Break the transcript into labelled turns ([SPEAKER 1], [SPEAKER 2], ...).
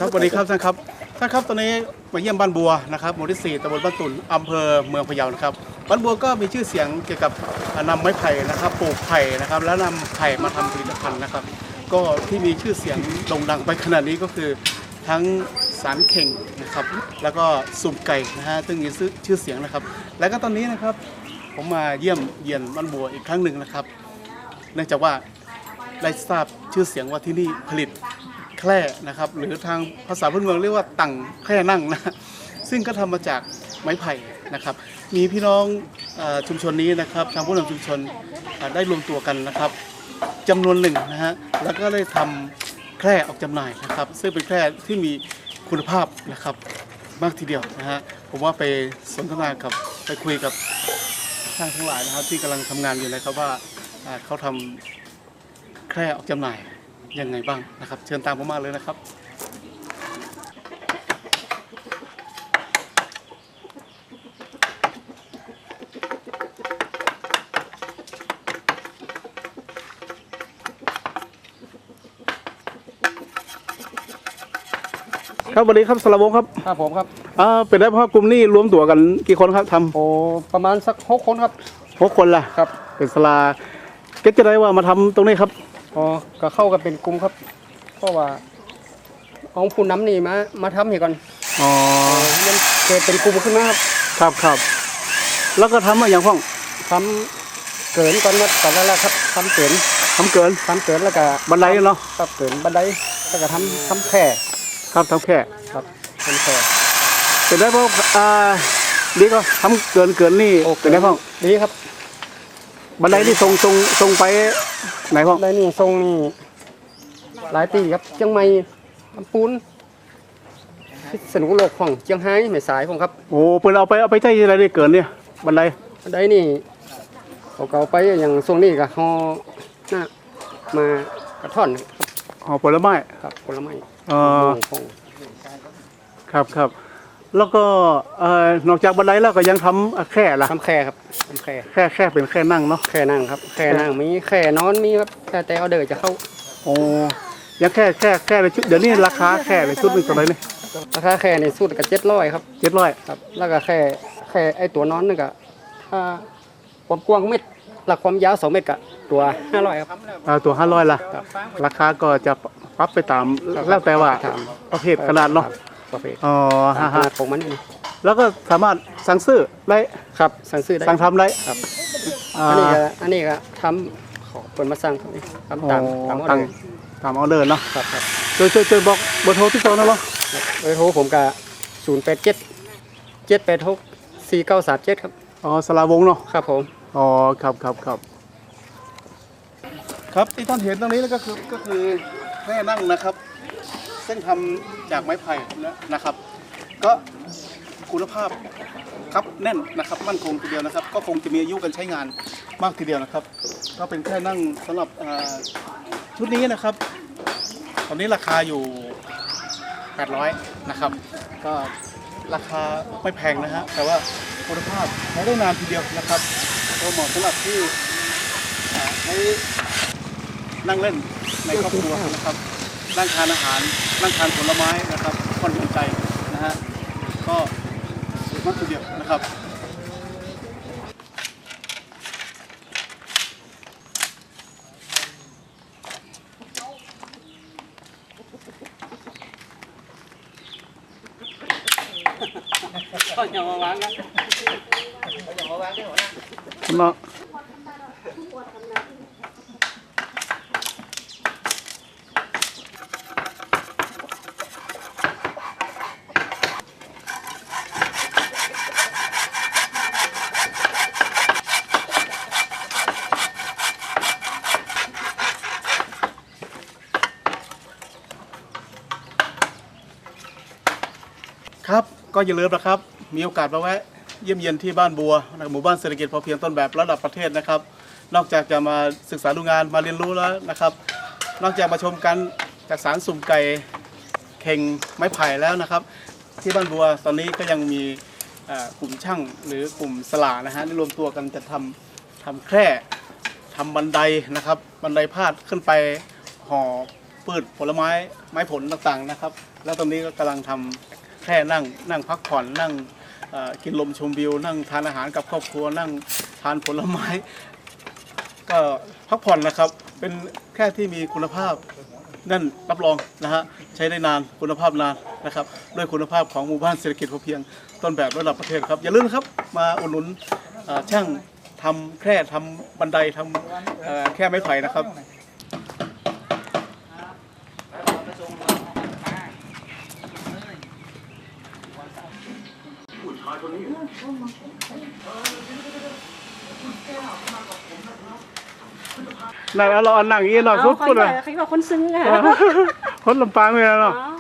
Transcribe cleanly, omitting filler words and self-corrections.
[SPEAKER 1] ครับสวัสดีครับท่านครับตอนนี้มาเยี่ยมบ้านบัวนะครับหมู่ที่ 4ตำบลบ้านตุ่นอำเภอเมืองพะเยานะครับบ้านบัวก็มีชื่อเสียงเกี่ยวกับนำไม้ไผ่นะครับปลูกไผ่นะครับแล้วนำไผ่มาทำผลิตภัณฑ์นะครับก็ที่มีชื่อเสียงโด่งดังไปขนาดนี้ก็คือทั้งสารเข่งนะครับแล้วก็สุ่มไก่นะฮะซึ่งมีชื่อเสียงนะครับแล้วก็ตอนนี้นะครับผมมาเยี่ยมเยียนบ้านบัวอีกครั้งหนึ่งนะครับเนื่องจากว่าได้ทราบชื่อเสียงว่าที่นี่ผลิตแคร่นะครับหรือทางภาษาพื้นเมืองเรียกว่าตั่งแคร่นั่งนะซึ่งก็ทำมาจากไม้ไผ่นะครับมีพี่น้องชุมชนนี้นะครับทางผู้นำชุมชนได้รวมตัวกันนะครับจำนวนหนึ่งนะฮะแล้วก็ได้ทำแคร่ออกจำหน่ายนะครับซึ่งเป็นแคร่ที่มีคุณภาพนะครับมากทีเดียวนะฮะผมว่าไปสนทนากับไปคุยกับช่างทั้งหลายนะครับที่กำลังทำงานอยู่นะครับว่าเขาทำแคร่ออกจำหน่ายยังไงบ้างนะครับเชิญตามผมมาเลยนะครับครับสวัสดีครับสรวงครับ
[SPEAKER 2] ครับผมครับ
[SPEAKER 1] เป็นได้เพราะกลุ่มนี้รวมตัวกันกี่คนครับทำ
[SPEAKER 2] โอ้ประมาณสัก6 คนครับ
[SPEAKER 1] 6 คนล่ะ
[SPEAKER 2] ครับ
[SPEAKER 1] เป็นสลาเก็ตจะได้ว่ามาทำตรงนี้ครับ
[SPEAKER 2] อ๋อก็เข้ากันเป็นกลุ่มครับเพราะว่าเอาผู้นำนี่มาทำให้ก่อน
[SPEAKER 1] อ๋อ
[SPEAKER 2] มันเกิดเป็นกลุ่มขึ้นมาครับ
[SPEAKER 1] ครับแล้วก็ทำมาอย่างพ่อง
[SPEAKER 2] ทำเกินก่อนตอนแรกครับทำเกินแล้วก็
[SPEAKER 1] บันไดเนาะ
[SPEAKER 2] ครับเกินบันไดแล้วก็ทำแค่
[SPEAKER 1] ครับทำแค่
[SPEAKER 2] ครับทำแค่
[SPEAKER 1] เป็นได้เพราะดีก็ทำเกินนี่เป็นได้พ่อง
[SPEAKER 2] ดีครับ
[SPEAKER 1] บันไดนี่ทรงไปไหนพ่อง
[SPEAKER 2] บันไดนี่ทรงนี่หลายตีครับเชียงใหม่ลำพูนพิษณุโลกของเชียงไฮ้แม่สายผมครับ
[SPEAKER 1] โอ้เปิดเอาไปใช้อะไรได้เกินเนี่ยบันได
[SPEAKER 2] นี่เขาเอาไปอย่างทรงนี้ก็ห่อหน้ามากระท่อน
[SPEAKER 1] ห่อผลไม้
[SPEAKER 2] ครับผลไม้
[SPEAKER 1] ครับแล้วก็นอกจากบันไดแล้วก็ยังทำแค่ล่ะ
[SPEAKER 2] ทำแค่ครับทำแ
[SPEAKER 1] ค่เป็นแค่นั่งเนาะ
[SPEAKER 2] แค่นั่งครับแค่นั่งมีแค่นอนมีครับแต่เอาเดินจะเข้า
[SPEAKER 1] โอ้ยังแค่ในชุดเดี๋ยวนี้ราคาแค่ในชุดหนึ่งเท่าไหร่นี่
[SPEAKER 2] ราคาแค่ในชุดก็700ครับ
[SPEAKER 1] 700
[SPEAKER 2] ครับแล้วก็แค่ไอ้ตัวนอนนึงก็ความกว้างเมตรหลักความยาว2 เมตรก็ตัว500ครับ
[SPEAKER 1] ตัว500ล่ะราคาก็จะปรับไปตามแล้วแต่ว่าประเภทขนาดเนาะ
[SPEAKER 2] อ๋อขนาดของมันนี่
[SPEAKER 1] แล้วก็สามารถสั่งซื้อได้
[SPEAKER 2] ครับสั่งซื้อได้
[SPEAKER 1] สั่งทำได้
[SPEAKER 2] ครับอันนี้ก็ทำขอเปิดมาสั่งทำตามอ
[SPEAKER 1] อเดอร์เนาะ
[SPEAKER 2] ครับ
[SPEAKER 1] ช่วยบอกเบอร์โทรที่โซนนะบ่
[SPEAKER 2] เบอร์โทรผมก็087 786 4937ครับ
[SPEAKER 1] สลาวงเนาะ
[SPEAKER 2] ครับผม
[SPEAKER 1] ครับที่ท่านเห็นตรงนี้แล้วก็คือแม่นั่งนะครับซึ่งทำจากไม้ไผ่นะครับก็คุณภาพครับแน่นนะครับมั่นคงทีเดียวนะครับก็คงจะมีอายุการใช้งานมากทีเดียวนะครับก็เป็นแค่นั่งสำหรับชุดนี้นะครับตอนนี้ราคาอยู่800นะครับก็ราคาไม่แพงนะฮะแต่ว่าคุณภาพใช้ได้นานทีเดียวนะครับก็เหมาะสำหรับที่ใช้นั่งเล่นในครอบครัวนะครับนั่งทานอาหารนั่งทานผลไม้นะครับผ่อนหย่อนใจนะฮะก็สุดมากทีเดียวนะครับ
[SPEAKER 2] อย่ามาวางกันอย่ามาวางได้หัวหน้า
[SPEAKER 1] ครับก็อย่าลืมนะครับมีโอกาสมาแวะเยี่ยมเยียนที่บ้านบัวหมู่บ้านเศรษฐกิจพอเพียงต้นแบบระดับประเทศนะครับนอกจากจะมาศึกษาดูงานมาเรียนรู้แล้วนะครับนอกจากมาชมกันจากสารสุ่มไก่เข่งไม้ไผ่แล้วนะครับที่บ้านบัวตอนนี้ก็ยังมีกลุ่มช่างหรือกลุ่มสลานะฮะที่รวมตัวกันจะทำแคร่ทำบันไดนะครับบันไดพาดขึ้นไปห่อพืชผลไม้ไม้ผลต่างๆนะครับ แล้วตรงนี้ก็กำลังทำแค่นั่งพักผ่อนนั่งกินลมชมวิวนั่งทานอาหารกับครอบครัวนั่งทานผลไม้ ก็พักผ่อนนะครับเป็นแค่ที่มีคุณภาพนั่นรับรองนะฮะใช้ได้นานคุณภาพนานนะครับด้วยคุณภาพของหมู่บ้านเศรษฐกิจพอเพียงต้นแบบระดับประเทศครับอย่าลืมนะครับมาอุดหนุนช่างทำแคร่ทำบันไดทำแคร่ไม้ไผ่นะครับ นั่นเราอันนั่งอย่างนี้เนาะ
[SPEAKER 3] อ๋อ
[SPEAKER 1] สุด
[SPEAKER 3] คน
[SPEAKER 1] เลย
[SPEAKER 3] เขาบอกคนซึ้งค่ะ
[SPEAKER 1] คนลำปางเลยเนาะ
[SPEAKER 3] อ๋อ